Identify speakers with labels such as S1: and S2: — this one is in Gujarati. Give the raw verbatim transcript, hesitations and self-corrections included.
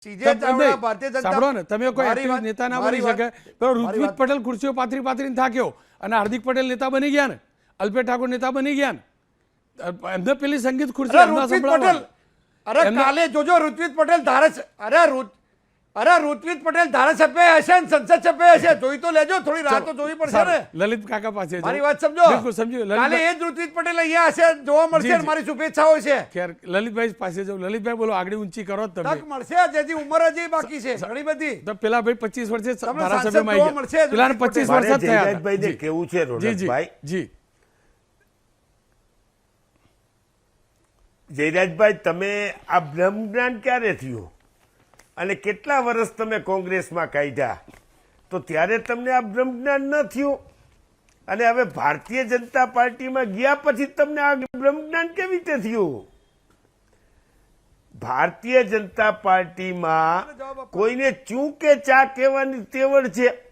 S1: સાંભળો ને, તમે કોઈ એક્ટિવ નેતા ના બની શકે. પેલો ઋત્વિજ પટેલ ખુરશીઓ પાથરી પાથરીને થાક્યો અને હાર્દિક પટેલ નેતા બની ગયા ને, અલ્પેશ ઠાકોર નેતા બની ગયા ને, એમને પેલી સંગીત ખુરશી એમના સંભળાવવા.
S2: અરે કાલે જોજો ઋત્વિજ પટેલ ધારાસભ્ય, અરે અરે ઋત્વિજ પટેલ ધારાસભ્ય હશે ને સંસદ સભ્ય હશે, જોઈ તો લેજો, થોડી રાહ તો જોવી પડશે ને.
S1: લલિત કાકા પાસે
S2: મારી વાત સમજો,
S1: બિલકુલ સમજ્યું.
S2: કાલે એ જ ઋત્વિજ પટેલ અહીંયા હશે, જોવા મળશે, મારી શુભેચ્છાઓ છે.
S1: ખેર લલિતભાઈ પાસે જાવ. લલિતભાઈ બોલો, આગળ ઊંચી કરો તમે.
S2: તક મળશે, જેથી ઉંમર હજી બાકી છે ઘણી બધી.
S1: તો પેલા ભાઈ પચીસ વર્ષે
S2: તમને
S1: ધારાસભ્યમાં
S2: જોવા
S1: આવી
S2: મળશે.
S1: ગયા, પેલા પચીસ વર્ષ જ થયા.
S3: જયરાજભાઈને કેવું છે રોનકભાઈ,
S1: જી
S3: જયરાજભાઈ, તમે આ બ્રહ્મજ્ઞાન ક્યારે થયું અને કેટલા વર્ષ તમે કોંગ્રેસમાં કાઢ્યા, તો ત્યારે તમને આ બ્રહ્મજ્ઞાન ન થયું, અને હવે ભારતીય જનતા પાર્ટીમાં ગયા પછી તમને આ બ્રહ્મજ્ઞાન કેવી રીતે થયું? ભારતીય જનતા પાર્ટીમાં કોઈને ચૂ કે ચા કહેવાની તેવડ છે,